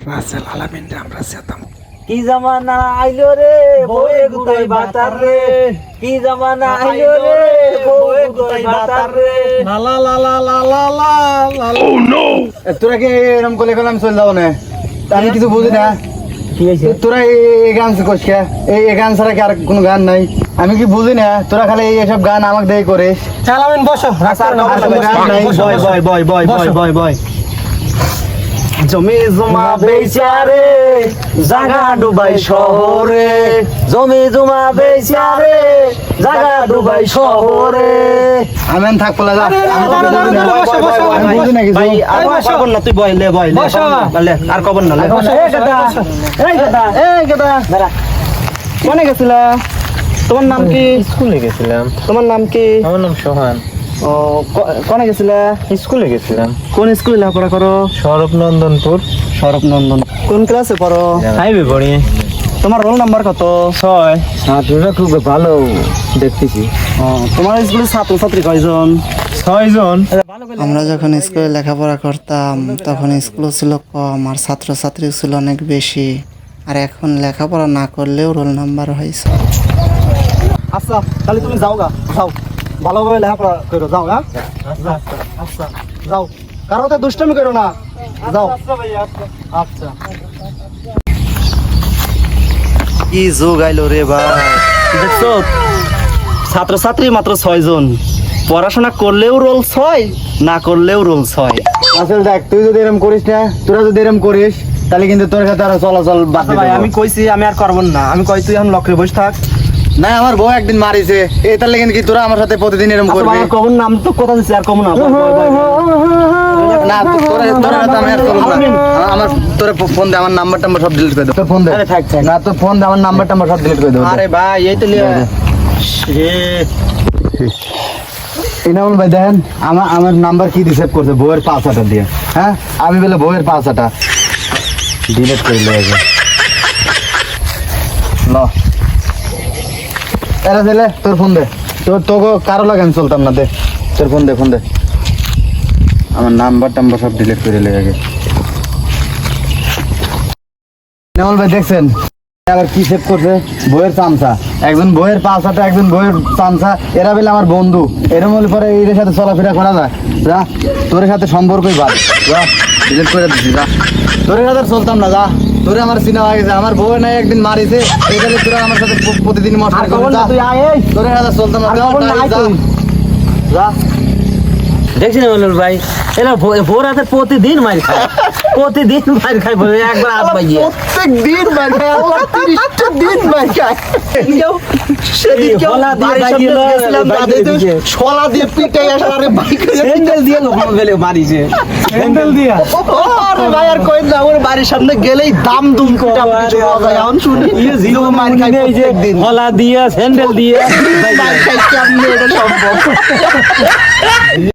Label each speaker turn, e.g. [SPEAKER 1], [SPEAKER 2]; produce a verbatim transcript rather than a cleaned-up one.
[SPEAKER 1] রাসেল আলামিন রে আমরা চেতাম।
[SPEAKER 2] কি জামানা আইলো রে বউয়ে গুতাই বাতার রে, কি জামানা আইলো রে বউয়ে গুতাই বাতার রে।
[SPEAKER 1] লা লা লা লা লা লা লা লা। ও নো,
[SPEAKER 3] তোরা কি এরকম করলে গেলাম চলে যাবো না? আমি কিছু বুঝি না।
[SPEAKER 2] কি হয়েছে?
[SPEAKER 3] তোরা এই গান শিখোস কে? এই এই গান ছাড়া কি আর কোনো গান নাই? আমি কি বুঝি না? তোরা খালি এইসব গান আমাকে দিয়ে করিস।
[SPEAKER 1] আলামিন বসো।
[SPEAKER 3] আর কোনো গান নাই।
[SPEAKER 2] বয় বয় বয় বয় বয় বয় বয়। জমি জমা বেচারে জাগা ডুবাই শহরে, জমি জমা বেচারে জাগা ডুবাই শহরে।
[SPEAKER 3] আমি আর থাকবো না, যা।
[SPEAKER 1] আরে,
[SPEAKER 3] আমি
[SPEAKER 1] না, না, না, না, না, বসো, বসো,
[SPEAKER 3] আমি বুঝি না কিছু।
[SPEAKER 2] ভাই আর
[SPEAKER 1] বসো।
[SPEAKER 2] কবর না, তুই বয় লে বয় লে
[SPEAKER 1] বসো।
[SPEAKER 2] লে, আর কবর না লে।
[SPEAKER 1] বসো,
[SPEAKER 2] এই গাদা, এই গাদা, এই গাদা। দাঁড়া। কোনে গেছিলা? তোমার নাম কি?
[SPEAKER 4] স্কুলে গেছিলাম।
[SPEAKER 2] তোমার নাম কি?
[SPEAKER 4] আমার নাম সোহান।
[SPEAKER 2] ও ক- কোনে গেছিলা?
[SPEAKER 4] স্কুলে গেছিলাম।
[SPEAKER 2] কোন স্কুলে লেখাপড়া করো?
[SPEAKER 4] সৌরভ নন্দনপুর।
[SPEAKER 2] সৌরভ নন্দন। কোন ক্লাসে পড়ো?
[SPEAKER 4] হাইবে পড়ি।
[SPEAKER 2] তোমার রোল নাম্বার কত?
[SPEAKER 4] ছয়।
[SPEAKER 3] ছাত্ররা খুব ভালো দেখতেছি।
[SPEAKER 2] ও, তোমার স্কুলে ছাত্রছাত্রী কয়জন?
[SPEAKER 4] ছয় জন।
[SPEAKER 5] আমরা যখন স্কুলে লেখাপড়া করতাম তখন স্কুলও ছিল কম আর ছাত্রছাত্রী ছিল অনেক বেশি, আর এখন লেখাপড়া না করলেও রোল নাম্বার হয়েছে।
[SPEAKER 2] আচ্ছা তাহলে তুমি যাও গা, যাও ভালোভাবে লেখাপড়া করো, যাও হ্যাঁ যাও। আচ্ছা যাও, কারো তো দুষ্টামি করো না, যাও। আচ্ছা
[SPEAKER 3] কি যোগ আইলো রে ভাই।
[SPEAKER 2] দেখছো, ছাত্রছাত্রী মাত্র ছয় জন, পড়াশোনা করলেও রোল ছয়, না করলেও রোল ছয়।
[SPEAKER 3] আসলে দেখ, তুই যদি এরকম করিস না, তোরা যদি এরকম করিস, তাহলে কিন্তু তোর সাথে আরো চলাচল বাদ
[SPEAKER 2] আচ্ছা ভাই,
[SPEAKER 3] দেবো।
[SPEAKER 2] আমি কইছি আমি আর করব না, আমি কই তুই এখন লক্ষ্যে বসে থাক।
[SPEAKER 3] না, আমার বউ একদিন মারিছে, এই তার লেগে কি তোরা আমার সাথে প্রতিদিন এরকম
[SPEAKER 2] আচ্ছা
[SPEAKER 3] করবি?
[SPEAKER 2] ভাই, আর কব না, আমি তো কথা দিচ্ছি আর কব না। বয়, বয়, বয়, বয়।
[SPEAKER 3] না, তো- তোরা তোরা সাথে আমি আর করবো না। আ- আমার তোরা ফোন দে, আমার নাম্বার টাম্বার সব ডিলিট করে দেবো। তোর ফোন দে।
[SPEAKER 2] আরে থাক, থাক।
[SPEAKER 3] না, তোর ফোন দে, আমার নাম্বার টাম্বার সব ডিলিট করে দেবো।
[SPEAKER 2] আরে ভাই, এই তো লিয়া।
[SPEAKER 3] ইনামুল ভাই দেখেন, আমার আমার নাম্বার কি রিসেভ করছে বউয়ের পাঁচ হাজার দিয়ে। হ্যাঁ, আমি বলে বউয়ের পাঁচ হাজার ডিলিট করে লেগেছে। ল এরা ছেলে, তোর ফোন দে। তোর তোকে কারো লাগে আমি চলতাম না, দে তোর ফোন দে, ফোন দে। আমার নাম্বার টাম্বার সব ডিলিট করে লেগে। ইনামুল ভাই দেখছেন আবার কি সেভ করছে? বইয়ের চামচা, একজন বইয়ের পাঁচ হাতে, একজন বইয়ের চামচা, এরা বলে আমার বন্ধু। এরম হলে পরে এদের সাথে চলাফেরা করা যায়? যা, তোর সাথে সম্পর্কই বাদ, যা ডিলিট করে দিচ্ছি, যা। তোর সাথে আর চলতাম না, যা। তোরে আমার চিনা হয়ে গেছে, আমার বউ নাই একদিন মারিছে, এখানে তোরা আমার সাথে প- প্রতিদিন মশলা
[SPEAKER 2] আর কব
[SPEAKER 3] করে,
[SPEAKER 2] না,
[SPEAKER 3] যা।
[SPEAKER 2] তুই আয় এই।
[SPEAKER 3] তোর সাথে চলতাম না,
[SPEAKER 2] আর
[SPEAKER 3] যা,
[SPEAKER 2] কব না, আয়
[SPEAKER 3] যা,
[SPEAKER 2] তুই।
[SPEAKER 3] যা।
[SPEAKER 2] দেখছি না বলুন ভাই, এরা ভো- ভোর রাতে প্রতিদিন মার খায়, প্রতিদিন মার খায়, বলে একবার হাত পাইয়ে।
[SPEAKER 3] প্রত্যেক দিন মার খায়, আল্লাহ তিরিশটা দিন মার খায়।
[SPEAKER 2] সেদিনকেও হলা দিয়ে
[SPEAKER 3] বাড়ির
[SPEAKER 2] বাইকে
[SPEAKER 3] সামনে
[SPEAKER 2] লয়,
[SPEAKER 3] গেছিলাম,
[SPEAKER 2] বাইকে
[SPEAKER 3] দাদা তো
[SPEAKER 2] দিকে।
[SPEAKER 3] শলা দিয়ে পিটাই আসার, আরে বাইকে
[SPEAKER 2] স্যান্ডেল দিয়ে লোক ফেলে মারিছে, স্যান্ডেল দিয়া।
[SPEAKER 3] আরে ভাই আর কই না, আমার বাড়ির সামনে গেলেই দাম দুম পিটা পিটি হওয়া যায়। এখন শুনি
[SPEAKER 2] ইয়ে জিরো
[SPEAKER 3] মার খাই
[SPEAKER 2] এই যে
[SPEAKER 3] প্রত্যেকদিন।
[SPEAKER 2] হলা দিয়া, স্যান্ডেল দিয়া।
[SPEAKER 3] মার খাই কেমনে এটা সম্ভব?